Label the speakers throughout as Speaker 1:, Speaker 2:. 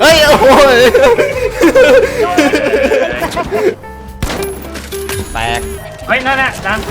Speaker 1: ฮ้ยโอ้ยแตก
Speaker 2: เฮ้ยนั่นแหละดัง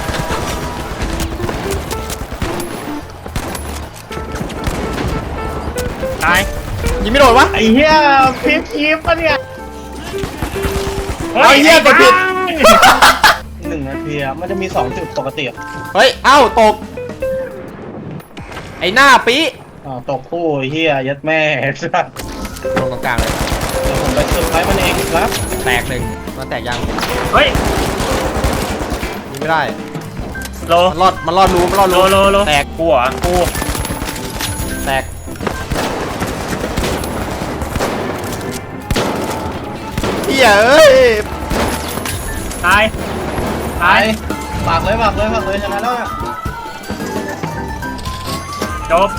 Speaker 2: ตาย
Speaker 1: ยิงไม่โดนวะ
Speaker 3: ไอ้เหี้ยพิมพ์คีมปะเนี่ย
Speaker 1: ไอ้เหี้ยกดผิด
Speaker 3: 1 นาทีมันจะมี2 จุดปกติ
Speaker 1: เฮ้ยเอ้าตกไอ้หน้าปี
Speaker 3: ตกคู่ไอ้เหี้ยยัดแม่สัส
Speaker 1: ลงตรงกลางเลย
Speaker 3: เดี๋ยวผมไปสุดท้ายมันเองครับ
Speaker 1: แตกหนึ่งมันแตกยัง
Speaker 2: เฮ้ย
Speaker 1: ยิงไม่ได้
Speaker 2: โล
Speaker 1: มันรอดรู้
Speaker 2: โล
Speaker 1: แตก
Speaker 2: กูอ่ะกู
Speaker 1: แตกเหี้ยเอ้ย
Speaker 2: ตาย
Speaker 3: ฝากเลยชนะแล้ว
Speaker 2: จบ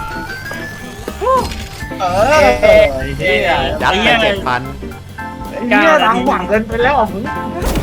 Speaker 3: ไอ้เหี้ย
Speaker 1: ยัดไป7,000
Speaker 3: ไอ้เหี้ยทางหวังเกินไปแล้วมึง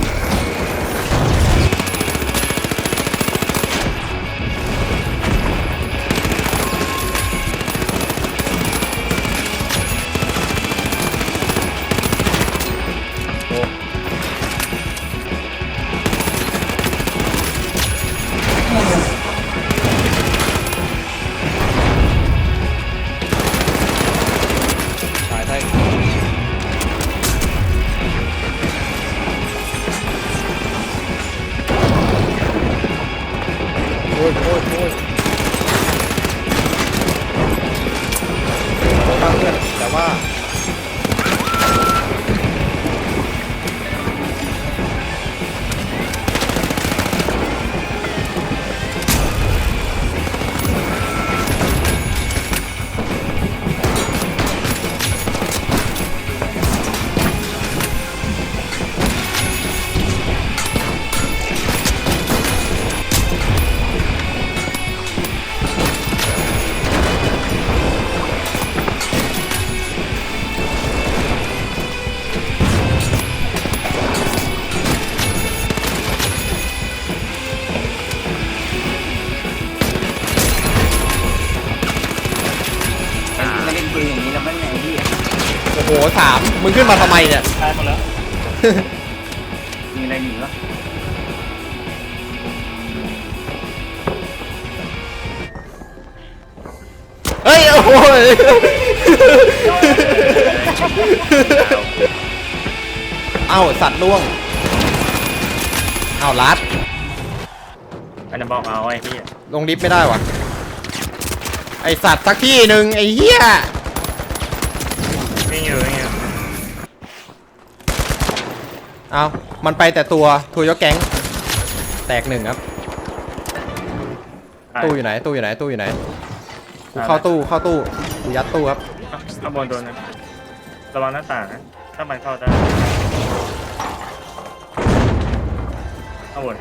Speaker 1: โอ้ยข้างเพื่อนแต่ว่าโอ้โห3มึงขึ้นมาทำไมเนี่ย
Speaker 3: ตายหมดแล้ว
Speaker 2: มีอะไรหนีวะ
Speaker 1: เฮ้ยโอ้ยเอ้าสัตว์ล่วงเอ้าลัด
Speaker 2: อันนั้นบอกเอาไอ้พี่
Speaker 1: ลงลิฟต์ไม่ได้วะไอสัตว์สักที่หนึ่งไอ้เหี้ย
Speaker 2: ไม่อยู่
Speaker 1: เอามันไปแต่ตัวยกแก๊งแตก1ครับตู้อยู่ไหนกูเข้าตู้กูยัดตู้ครับ
Speaker 2: ข้างบนโดนนะระวังหน้าต่างนะถ้ามันเข้าได้ข้างบน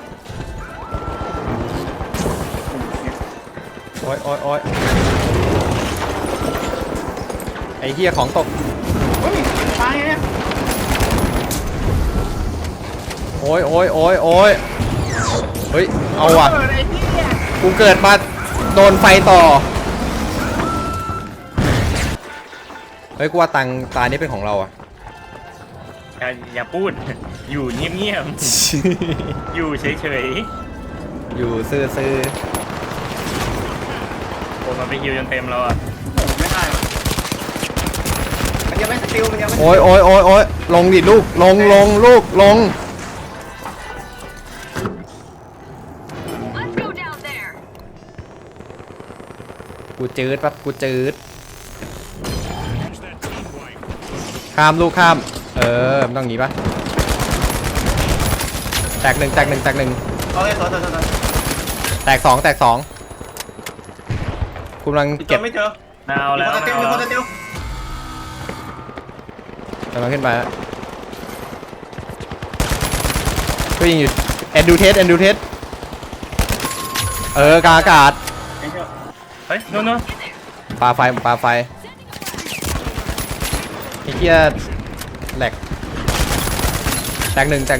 Speaker 1: โอ้ยไอ้เหี้ยของตก
Speaker 3: ตายเนี่ย
Speaker 1: โอ้ยเฮ้ยเอาว่ะกูเกิดมาโดนไฟต่อเฮ้ยกูว่าตานี้เป็นของเราอ่ะ
Speaker 2: อย่าพูดอยู่เงียบอยู่เฉย
Speaker 1: อยู่ซื่อ
Speaker 2: โอ้มันไปฮิวจนเต็มแล้วอ่ะ
Speaker 3: ไม่ได้มันยังไม่สกิลมันยังไม่
Speaker 1: โอ้ยลงดิลูกลงลูกลงกูจืดปั๊บกูจืดข้ามลูกข้ามมันต้องหนีปะแตกหนึ่ง
Speaker 3: โอเค
Speaker 1: แตก2กูกำลังเก็บ
Speaker 3: ไม่เจอ
Speaker 2: เอาแล้ว
Speaker 3: มีคนจะเตียว
Speaker 1: กำลังขึ้นไปก็ยิงอยู่แอนดูเทสกาอากาศ
Speaker 2: เฮ้ยโน่น
Speaker 1: ปลาไฟไอ้เหี้ยแหลกแตกหนึ่ง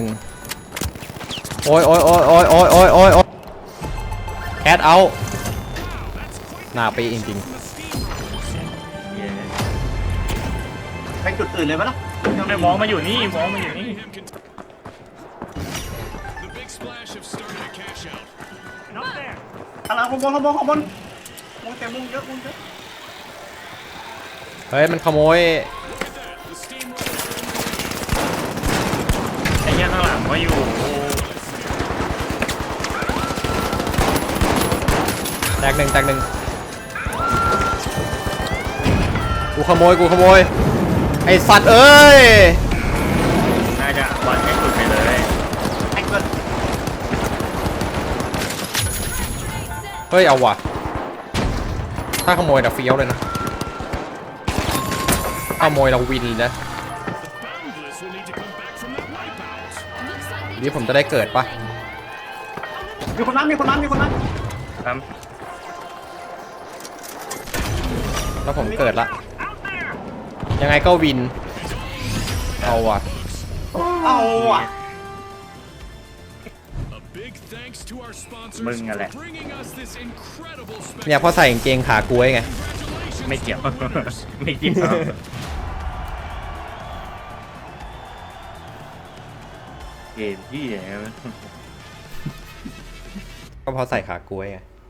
Speaker 1: โอ้ยแคทเอาหน้าปีจริง
Speaker 4: ไปจุดอื่นเลยไหมล่ะ
Speaker 2: ไม่มองมาอยู่นี่มองมาอยู่นี่
Speaker 5: The big splash have started to cash out.
Speaker 4: ข้างหลังข้างบนมุงแต่มุงเยอะมุงเยอะ
Speaker 1: เฮ้ยมันขโมย
Speaker 5: The steamroller.
Speaker 2: ไอ้เหี้ยข้างหลังก็อยู่
Speaker 1: แตกหนึ่งกูขโมยไอสัตว์เอ้ย
Speaker 2: น่าจะบอลให้สุดไปเลย
Speaker 4: ไอ้เกิด
Speaker 1: เฮ้ยเอาว่ะถ้าขโมยแต่เฟี้ยวเลยนะขโมยเราวินเลยนะ
Speaker 5: Boundless will need to come back from that wipeout.
Speaker 1: นี่ผมจะได้เกิดปะ
Speaker 4: มีคนนั้น
Speaker 2: ครับ
Speaker 1: แล้วผมเกิดละยังไงก็วินเอาว่ะ
Speaker 4: เอาอ่ะ
Speaker 5: A big thanks to our sponsors
Speaker 2: มึงอะแหละ
Speaker 5: for bringing us this incredible
Speaker 1: เนี่ยพอใส่กางเกงขากล้วยไง
Speaker 5: Congratulations
Speaker 2: ไม่เกี่ยว
Speaker 5: to our winners.
Speaker 2: ไม่เกี่ยวเกมที่ไหนวะ
Speaker 1: ก็เพอใส่ขากล้วยไง